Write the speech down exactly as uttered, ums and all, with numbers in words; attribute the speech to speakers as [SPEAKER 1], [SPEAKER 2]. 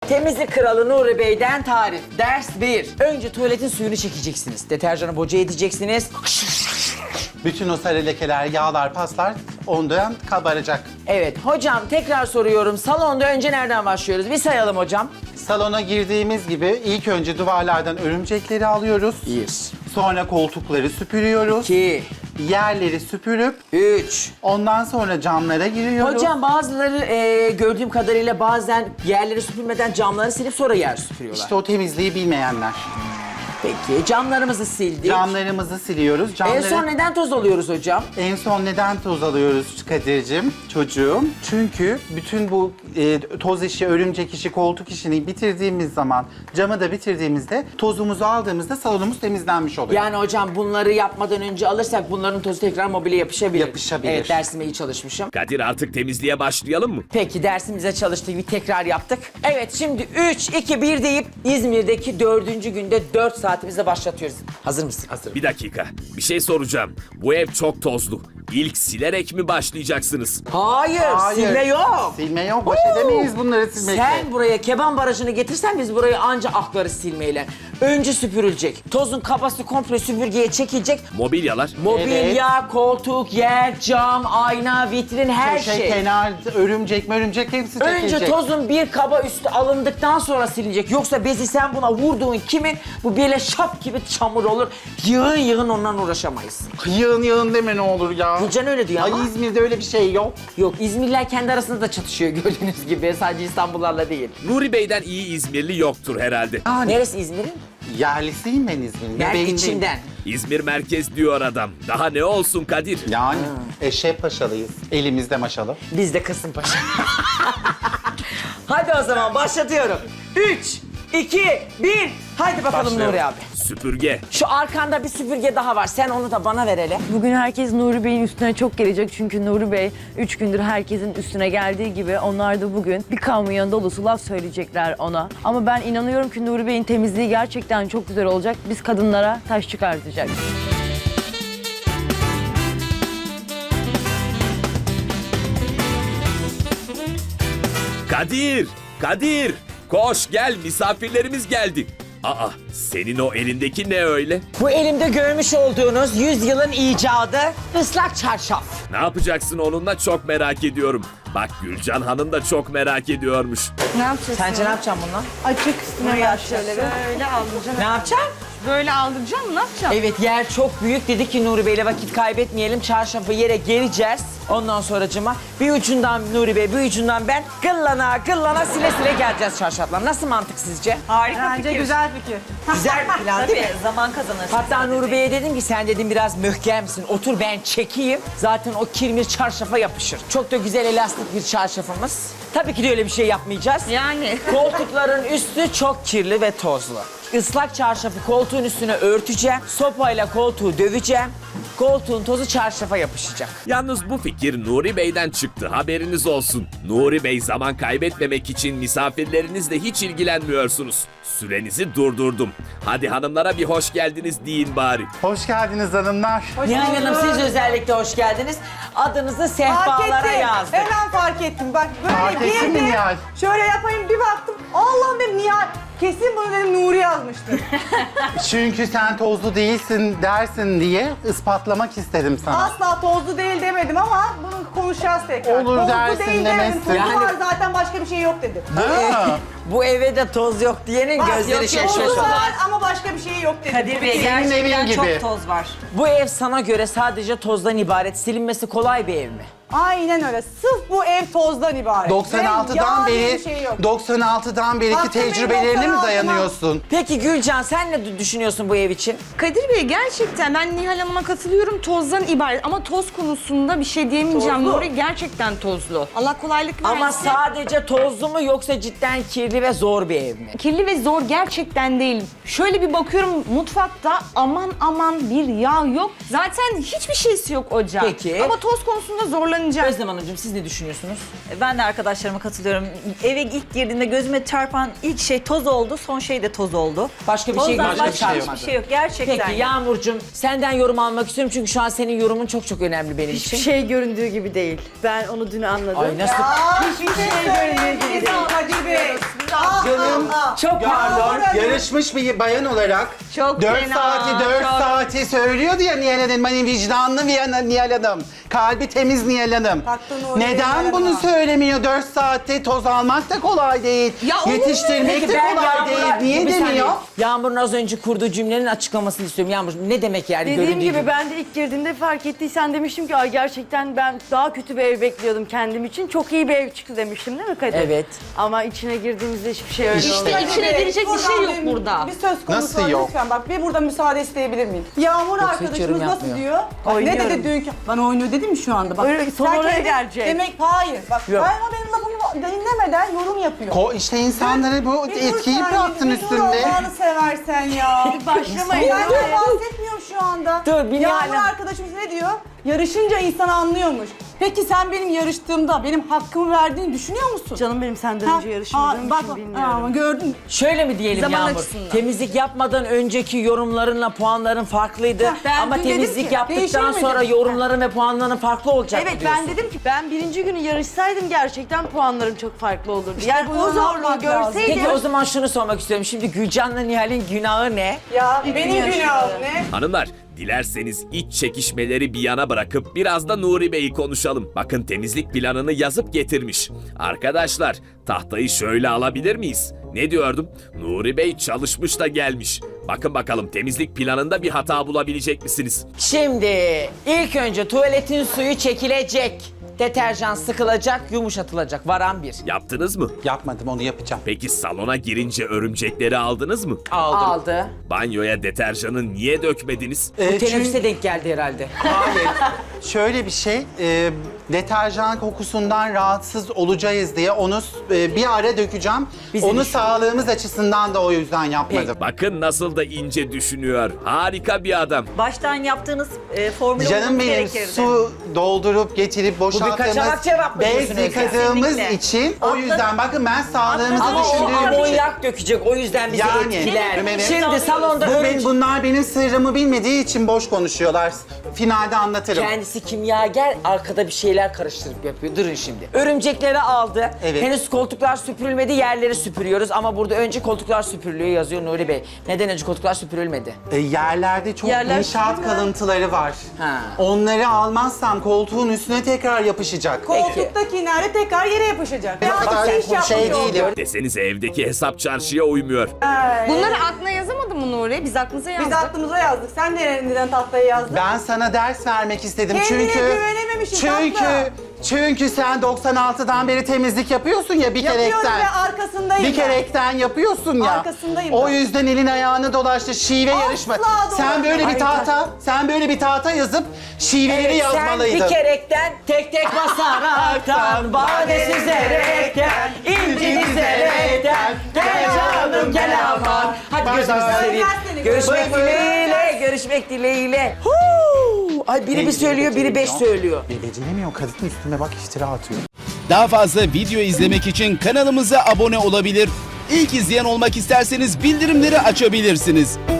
[SPEAKER 1] Temizlik kralı Nuri Bey'den tarif. Ders bir. Önce tuvaletin suyunu çekeceksiniz. Deterjanı boca edeceksiniz.
[SPEAKER 2] Bütün o sarı lekeler, yağlar, paslar ondan kabaracak.
[SPEAKER 1] Evet hocam tekrar soruyorum. Salonda önce nereden başlıyoruz? Bir sayalım hocam.
[SPEAKER 2] Salona girdiğimiz gibi ilk önce duvarlardan örümcekleri alıyoruz.
[SPEAKER 1] Bir.
[SPEAKER 2] Sonra koltukları süpürüyoruz.
[SPEAKER 1] İki.
[SPEAKER 2] Yerleri süpürüp
[SPEAKER 1] Üç.
[SPEAKER 2] ondan sonra camlara giriyoruz.
[SPEAKER 1] Hocam bazıları e, gördüğüm kadarıyla bazen yerleri süpürmeden camları silip sonra yer süpürüyorlar.
[SPEAKER 2] İşte o temizliği bilmeyenler.
[SPEAKER 1] Peki camlarımızı sildik.
[SPEAKER 2] Camlarımızı siliyoruz.
[SPEAKER 1] En
[SPEAKER 2] Camları...
[SPEAKER 1] son neden toz alıyoruz hocam?
[SPEAKER 2] En son neden toz alıyoruz Kadir'cim, çocuğum? Çünkü bütün bu e, toz işi, örümcek işi, koltuk işini bitirdiğimiz zaman, camı da bitirdiğimizde, tozumuzu aldığımızda salonumuz temizlenmiş oluyor.
[SPEAKER 1] Yani hocam bunları yapmadan önce alırsak bunların tozu tekrar mobilya yapışabilir.
[SPEAKER 2] Yapışabilir.
[SPEAKER 1] Evet dersime iyi çalışmışım.
[SPEAKER 3] Kadir artık temizliğe başlayalım mı?
[SPEAKER 1] Peki dersimize çalıştık, bir tekrar yaptık. Evet şimdi üç, iki, bir deyip İzmir'deki dördüncü günde dört saatimize başlatıyoruz. Hazır mısın? Hazırım.
[SPEAKER 3] Bir dakika, bir şey soracağım. Bu ev çok tozlu. İlk silerek mi başlayacaksınız?
[SPEAKER 1] Hayır,
[SPEAKER 2] Hayır.
[SPEAKER 1] silme yok.
[SPEAKER 2] Silme yok, baş edemeyiz bunları silmekle.
[SPEAKER 1] Sen buraya keban barajını getirsen biz burayı anca aklarız silmeyle. Önce süpürülecek. Tozun kabası komple süpürgeye çekilecek.
[SPEAKER 3] Mobilyalar.
[SPEAKER 1] Mobilya, koltuk, yer, cam, ayna, vitrin her
[SPEAKER 2] şey,
[SPEAKER 1] şey.
[SPEAKER 2] kenar, örümcek örümcek hepsi çekilecek.
[SPEAKER 1] Önce tozun bir kaba üstü alındıktan sonra silinecek. Yoksa bezi sen buna vurduğun kimin bu böyle şap gibi çamur olur. Yığın yığın ondan uğraşamayız.
[SPEAKER 2] Yığın yığın deme ne olur ya.
[SPEAKER 1] Gülcan öyle diyor
[SPEAKER 2] Ay
[SPEAKER 1] ama.
[SPEAKER 2] İzmir'de öyle bir şey yok.
[SPEAKER 1] Yok İzmirliler kendi arasında da çatışıyor gördüğünüz gibi. Sadece İstanbullarla değil.
[SPEAKER 3] Nuri Bey'den iyi İzmirli yoktur herhalde.
[SPEAKER 1] Neresi İzmir'in?
[SPEAKER 2] Yerlisiyim ben İzmir'in.
[SPEAKER 1] Yani
[SPEAKER 2] Bebeğindeyim.
[SPEAKER 1] içinden.
[SPEAKER 3] İzmir merkez diyor adam. Daha ne olsun Kadir?
[SPEAKER 2] Yani eşek paşalıyız. Elimizde maşalı.
[SPEAKER 1] Biz de Kasımpaşa. Hadi o zaman başlatıyorum. Üç, iki, bir. Haydi bakalım
[SPEAKER 2] Başlayalım.
[SPEAKER 1] Nuri abi.
[SPEAKER 3] Süpürge.
[SPEAKER 1] Şu arkanda bir süpürge daha var. Sen onu da bana ver hele.
[SPEAKER 4] Bugün herkes Nuri Bey'in üstüne çok gelecek çünkü Nuri Bey üç gündür herkesin üstüne geldiği gibi onlar da bugün bir kamyon dolusu laf söyleyecekler ona. Ama ben inanıyorum ki Nuri Bey'in temizliği gerçekten çok güzel olacak. Biz kadınlara taş çıkartacak.
[SPEAKER 3] Kadir! Kadir! Koş gel misafirlerimiz geldi. Aa senin o elindeki ne öyle?
[SPEAKER 1] Bu elimde görmüş olduğunuz yüzyılın icadı ıslak çarşaf.
[SPEAKER 3] Ne yapacaksın onunla çok merak ediyorum. Bak Gülcan Hanım da çok merak ediyormuş.
[SPEAKER 4] Ne yapacağız?
[SPEAKER 1] Sence ne yapacaksın bununla?
[SPEAKER 4] Açık üstüne yat şöyle bir. Böyle aldıracağım.
[SPEAKER 1] Ne yapacaksın?
[SPEAKER 4] Böyle aldıracağım, ne yapacağım?
[SPEAKER 1] Evet yer çok büyük. Dedi ki Nuri Bey'le vakit kaybetmeyelim. Çarşafı yere gereceğiz. Ondan sonracıma bir ucundan Nuri Bey, bir ucundan ben gıllana gıllana sile sile geleceğiz çarşafla. Nasıl mantık sizce?
[SPEAKER 4] Harika Bence fikir. güzel fikir.
[SPEAKER 1] Güzel bir plan değil mi?
[SPEAKER 4] Zaman kazanırsın.
[SPEAKER 1] Hatta Nuri Bey'e dedim ki sen dedim biraz mühkemsin. Otur ben çekeyim. Zaten o kirmir çarşafa yapışır. Çok da güzel elastik bir çarşafımız. Tabii ki de öyle bir şey yapmayacağız.
[SPEAKER 4] Yani.
[SPEAKER 1] Koltukların üstü çok kirli ve tozlu. Islak çarşafı koltuğun üstüne örteceğim. Sopayla koltuğu döveceğim. Koltuğun tozu çarşafa yapışacak.
[SPEAKER 3] Yalnız bu fikir Nuri Bey'den çıktı haberiniz olsun. Nuri Bey zaman kaybetmemek için misafirlerinizle hiç ilgilenmiyorsunuz. Sürenizi durdurdum. Hadi hanımlara bir hoş geldiniz deyin bari.
[SPEAKER 2] Hoş geldiniz hanımlar.
[SPEAKER 1] Nihal Hanım siz özellikle hoş geldiniz. Adınızı
[SPEAKER 5] Fark
[SPEAKER 1] sehpalara
[SPEAKER 5] ettim.
[SPEAKER 1] yazdık.
[SPEAKER 5] Hemen fark ettim. Bak böyle
[SPEAKER 2] Fark ettin mi
[SPEAKER 5] girdim.
[SPEAKER 2] Nihal?
[SPEAKER 5] Şöyle yapayım bir baktım. Allah'ım dedim Nihal. Kesin bunu dedim Nuri yazmıştır.
[SPEAKER 2] Çünkü sen tozlu değilsin dersin diye ispatlamak istedim sana.
[SPEAKER 5] Asla tozlu değil demedim ama bunu konuşacağız tekrar.
[SPEAKER 2] Olur
[SPEAKER 5] tozlu
[SPEAKER 2] dersin,
[SPEAKER 5] değil
[SPEAKER 2] demezsin.
[SPEAKER 5] demedim. Tozu
[SPEAKER 1] Yani-
[SPEAKER 5] var zaten başka bir şey yok dedim.
[SPEAKER 2] Ha.
[SPEAKER 1] Bu eve de toz yok diyenin
[SPEAKER 5] Bak,
[SPEAKER 1] gözleri
[SPEAKER 5] yok, yok, tozu
[SPEAKER 1] şaşırır.
[SPEAKER 5] var ama başka bir şey yok dedim.
[SPEAKER 4] Kadir Bey
[SPEAKER 2] Senin evin gibi.
[SPEAKER 4] toz var.
[SPEAKER 1] Bu ev sana göre sadece tozdan ibaret. Silinmesi kolay bir ev mi?
[SPEAKER 5] Aynen öyle. Sırf bu ev tozdan ibaret.
[SPEAKER 2] doksan altıdan
[SPEAKER 5] Ve yağ diye
[SPEAKER 2] beri
[SPEAKER 5] bir şey yok.
[SPEAKER 2] doksan altıdan beriki
[SPEAKER 5] Baktım benim
[SPEAKER 2] tecrübelerine mi
[SPEAKER 5] doksan altıma.
[SPEAKER 2] dayanıyorsun?
[SPEAKER 1] Peki Gülcan sen ne düşünüyorsun bu ev için?
[SPEAKER 6] Kadir Bey gerçekten ben Nihal Hanım'a katılıyorum, tozdan ibaret ama toz konusunda bir şey diyemeyeceğim.
[SPEAKER 1] Tozlu.
[SPEAKER 6] Nuri gerçekten tozlu. Allah kolaylık versin.
[SPEAKER 1] Ama sadece tozlu mu yoksa cidden kirli ve zor bir ev mi?
[SPEAKER 6] Kirli ve zor gerçekten değil. Şöyle bir bakıyorum mutfakta aman aman bir yağ yok. Zaten hiçbir şeysi yok ocağın.
[SPEAKER 1] Peki.
[SPEAKER 6] Ama toz konusunda zorlanıyorum. temizleneceğim.
[SPEAKER 1] Özlem Hanımcığım siz ne düşünüyorsunuz?
[SPEAKER 7] Ben de arkadaşlarıma katılıyorum. Eve ilk girdiğimde gözüme çarpan ilk şey toz oldu, son şey de toz oldu.
[SPEAKER 1] Başka bir şey
[SPEAKER 7] Tozdan
[SPEAKER 1] başka bir
[SPEAKER 7] başka
[SPEAKER 1] şey
[SPEAKER 7] hiçbir
[SPEAKER 1] yok.
[SPEAKER 7] şey yok. Gerçekten.
[SPEAKER 1] Peki Yağmurcuğum senden yorum almak istiyorum çünkü şu an senin yorumun çok çok önemli benim
[SPEAKER 4] Hiçbir
[SPEAKER 1] için.
[SPEAKER 4] şey göründüğü gibi değil. Ben onu dün anladım.
[SPEAKER 1] Ay nasıl?
[SPEAKER 5] Hiçbir şey görünmüyor gibi. Kadir Bey.
[SPEAKER 2] Canım.
[SPEAKER 1] Çok pardon.
[SPEAKER 2] Yarışmış bir bayan olarak
[SPEAKER 7] Çok
[SPEAKER 2] dört
[SPEAKER 7] fena,
[SPEAKER 2] saati dört
[SPEAKER 7] çok.
[SPEAKER 2] saati söylüyordu ya Nihal Hanım. Hani vicdanlı Nihal Nihal Hanım. Kalbi temiz Nihal Hanım.
[SPEAKER 5] Taktığın oraya Nihal
[SPEAKER 2] Neden
[SPEAKER 5] Hanım'a.
[SPEAKER 2] bunu söylemiyor? dört saatte toz almak da kolay değil.
[SPEAKER 6] Ya olur mu?
[SPEAKER 2] Yetiştirmek de kolay değil. Niye
[SPEAKER 1] Bir saniye.
[SPEAKER 2] demiyor?
[SPEAKER 1] Yağmur'un az önce kurduğu cümlenin açıklamasını istiyorum. Yağmur ne demek yani
[SPEAKER 4] Dediğim
[SPEAKER 1] göründüğü
[SPEAKER 4] gibi,
[SPEAKER 1] gibi?
[SPEAKER 4] ben de ilk girdiğimde fark ettiysen demiştim ki ay gerçekten ben daha kötü bir ev bekliyordum kendim için. Çok iyi bir ev çıktı demiştim değil mi Kadir?
[SPEAKER 1] Evet.
[SPEAKER 4] Ama içine girdiğimizde hiçbir şey öyle
[SPEAKER 2] İşte.
[SPEAKER 4] olmadı.
[SPEAKER 6] İçine girecek bir şey yok
[SPEAKER 5] Buradan bir-
[SPEAKER 6] burada.
[SPEAKER 5] Bir söz konusu
[SPEAKER 2] Nasıl
[SPEAKER 5] var
[SPEAKER 2] yok?
[SPEAKER 5] lütfen bak bir burada müsaade isteyebilir miyim? Yağmur
[SPEAKER 1] Yoksa hiç yorum
[SPEAKER 5] arkadaşımız nasıl
[SPEAKER 1] yapmıyor.
[SPEAKER 5] diyor? Bak, ne
[SPEAKER 4] Oynuyorum.
[SPEAKER 5] dedi dünkü? Bana oynuyor dedim mi şu anda? Bak,
[SPEAKER 4] Öyle, son
[SPEAKER 5] sen
[SPEAKER 4] oraya
[SPEAKER 5] kendi-
[SPEAKER 4] gelecek.
[SPEAKER 5] Demek hayır. Bak
[SPEAKER 1] Yok.
[SPEAKER 5] ben o benim lafımı dinlemeden yorum yapıyor.
[SPEAKER 2] Ko işte insanlara bu
[SPEAKER 5] Bir dur
[SPEAKER 2] etkiyi
[SPEAKER 5] sen,
[SPEAKER 2] bıraktın
[SPEAKER 5] bir dur
[SPEAKER 2] üstünde.
[SPEAKER 5] Allah'ını seversen ya.
[SPEAKER 4] Başlamayın.
[SPEAKER 5] Ben bahsetmiyorum şu anda.
[SPEAKER 1] Dur, bir
[SPEAKER 5] Yağmur
[SPEAKER 1] Nihal'im.
[SPEAKER 5] arkadaşımız ne diyor? Yarışınca insan anlıyormuş. Peki sen benim yarıştığımda benim hakkımı verdiğini düşünüyor musun?
[SPEAKER 4] Canım benim senden
[SPEAKER 5] Ha,
[SPEAKER 4] önce yarışmadığım
[SPEAKER 5] aa, bak,
[SPEAKER 4] için
[SPEAKER 5] aa,
[SPEAKER 4] bilmiyorum.
[SPEAKER 5] Ama gördün.
[SPEAKER 1] Şöyle mi diyelim
[SPEAKER 6] Zaman
[SPEAKER 1] Yağmur?
[SPEAKER 6] açısından.
[SPEAKER 1] Temizlik yapmadan önceki yorumlarınla puanların farklıydı.
[SPEAKER 5] Heh, ben
[SPEAKER 1] Ama
[SPEAKER 5] dün dedim
[SPEAKER 1] temizlik
[SPEAKER 5] ki,
[SPEAKER 1] yaptıktan
[SPEAKER 5] değişir mi
[SPEAKER 1] sonra
[SPEAKER 5] dedim.
[SPEAKER 1] yorumların ve puanların farklı olacak
[SPEAKER 4] Evet
[SPEAKER 1] mı diyorsun?
[SPEAKER 4] ben dedim ki ben birinci günü yarışsaydım gerçekten puanlarım çok farklı olurdu. yani
[SPEAKER 5] bunu
[SPEAKER 4] o zorluğu
[SPEAKER 5] yapmak lazım.
[SPEAKER 4] görseydim.
[SPEAKER 1] Peki o zaman şunu sormak istiyorum. Şimdi Gülcan'la Nihal'in günahı ne?
[SPEAKER 5] Ya benim
[SPEAKER 4] yaşıyorum.
[SPEAKER 5] günahım ne?
[SPEAKER 3] Hanımlar, dilerseniz iç çekişmeleri bir yana bırakıp biraz da Nuri Bey'i konuşalım. Bakın temizlik planını yazıp getirmiş. Arkadaşlar, tahtayı şöyle alabilir miyiz? Ne diyordum? Nuri Bey çalışmış da gelmiş. Bakın bakalım temizlik planında bir hata bulabilecek misiniz?
[SPEAKER 1] Şimdi ilk önce tuvaletin suyu çekilecek. Deterjan sıkılacak, yumuşatılacak. Varan bir.
[SPEAKER 3] Yaptınız mı?
[SPEAKER 2] Yapmadım, onu yapacağım.
[SPEAKER 3] Peki salona girince örümcekleri aldınız mı?
[SPEAKER 2] Aldım.
[SPEAKER 1] Aldı.
[SPEAKER 3] Banyoya deterjanı niye dökmediniz?
[SPEAKER 2] Ee,
[SPEAKER 1] Bu
[SPEAKER 2] çünkü-
[SPEAKER 1] teneffüse denk geldi herhalde.
[SPEAKER 2] Hayır. Şöyle bir şey, e, deterjan kokusundan rahatsız olacağız diye onu e, bir ara dökeceğim.
[SPEAKER 1] Bizim
[SPEAKER 2] onu
[SPEAKER 1] iş.
[SPEAKER 2] sağlığımız açısından da o yüzden yapmadım.
[SPEAKER 3] Bakın nasıl da ince düşünüyor. Harika bir adam.
[SPEAKER 7] Baştan yaptığınız e, formülü
[SPEAKER 2] Canım
[SPEAKER 7] olması
[SPEAKER 2] benim
[SPEAKER 7] gerekirdi.
[SPEAKER 2] su doldurup getirip
[SPEAKER 1] kaçamak
[SPEAKER 2] boşalttığımız
[SPEAKER 1] cevap mı
[SPEAKER 2] bez
[SPEAKER 1] diyorsun Özlem?
[SPEAKER 2] yıkadığımız
[SPEAKER 7] Kesinlikle.
[SPEAKER 2] için o
[SPEAKER 7] Atladım.
[SPEAKER 2] yüzden bakın ben sağlığımızı
[SPEAKER 1] Ama o
[SPEAKER 2] düşündüğüm için.
[SPEAKER 1] amonyak dökecek. O yüzden bizi
[SPEAKER 2] Yani,
[SPEAKER 1] etkiler.
[SPEAKER 2] evet.
[SPEAKER 1] Şimdi salonda
[SPEAKER 2] Bu
[SPEAKER 1] örümcek...
[SPEAKER 2] benim, bunlar benim sırrımı bilmediği için boş konuşuyorlar. Finalde anlatırım.
[SPEAKER 1] Kendisi kimyager, arkada bir şeyler karıştırıp yapıyor. Durun şimdi. Örümcekleri aldı.
[SPEAKER 2] Evet.
[SPEAKER 1] Henüz koltuklar süpürülmedi, yerleri süpürüyoruz. Ama burada önce koltuklar süpürülüyor yazıyor Nuri Bey. Neden önce koltuklar süpürülmedi?
[SPEAKER 2] E, yerlerde çok
[SPEAKER 4] Yerler
[SPEAKER 2] inşaat
[SPEAKER 4] süpürülen-
[SPEAKER 2] kalıntıları var.
[SPEAKER 1] Ha.
[SPEAKER 2] Onları almazsam koltuğun üstüne tekrar yapışacak.
[SPEAKER 5] Koltuktaki nerede tekrar yere yapışacak.
[SPEAKER 2] O
[SPEAKER 5] Ya
[SPEAKER 2] kadar
[SPEAKER 5] bir iş
[SPEAKER 2] şey
[SPEAKER 5] yapmış
[SPEAKER 2] değilim.
[SPEAKER 5] oldu.
[SPEAKER 3] Desenize evdeki hesap çarşıya uymuyor.
[SPEAKER 6] Bunları aklına yazamadın mı Nuri? Biz aklımıza yazdık.
[SPEAKER 5] Biz aklımıza yazdık. Sen neden, neden tahtaya yazdın?
[SPEAKER 2] Ben sana ders vermek istedim
[SPEAKER 5] Kendine
[SPEAKER 2] çünkü
[SPEAKER 5] güvenememişsin,
[SPEAKER 2] çünkü
[SPEAKER 5] tatlı.
[SPEAKER 2] çünkü sen doksan altıdan beri temizlik yapıyorsun ya bir
[SPEAKER 5] Yapıyorum
[SPEAKER 2] kerekten.
[SPEAKER 5] ve arkasındayım
[SPEAKER 2] Bir
[SPEAKER 5] ben.
[SPEAKER 2] kerekten yapıyorsun ya.
[SPEAKER 5] Arkasındayım
[SPEAKER 2] O
[SPEAKER 5] ben.
[SPEAKER 2] yüzden elin ayağını dolaştı şive
[SPEAKER 5] Asla
[SPEAKER 2] yarışma.
[SPEAKER 5] dolaşmadım.
[SPEAKER 2] Sen böyle bir
[SPEAKER 1] Ay,
[SPEAKER 2] tahta, sen böyle bir tahta yazıp şiveleri
[SPEAKER 1] Evet, sen
[SPEAKER 2] yazmalıydın.
[SPEAKER 1] bir kerekten tek tek basaraktan, bade süzerekten, inci dizerekten, gel canım gel aman. Hadi
[SPEAKER 2] Bay
[SPEAKER 1] gözünüzü
[SPEAKER 2] bay.
[SPEAKER 1] seveyim.
[SPEAKER 5] Seni
[SPEAKER 1] Görüşmek
[SPEAKER 2] bay.
[SPEAKER 1] dileğiyle, görüşmek dileğiyle. Huu! Ay biri bir söylüyor, biri beş söylüyor.
[SPEAKER 2] Bir beceremiyor. Kadın üstüme bak iftira atıyor.
[SPEAKER 8] Daha fazla video izlemek için kanalımıza abone olabilir. İlk izleyen olmak isterseniz bildirimleri açabilirsiniz.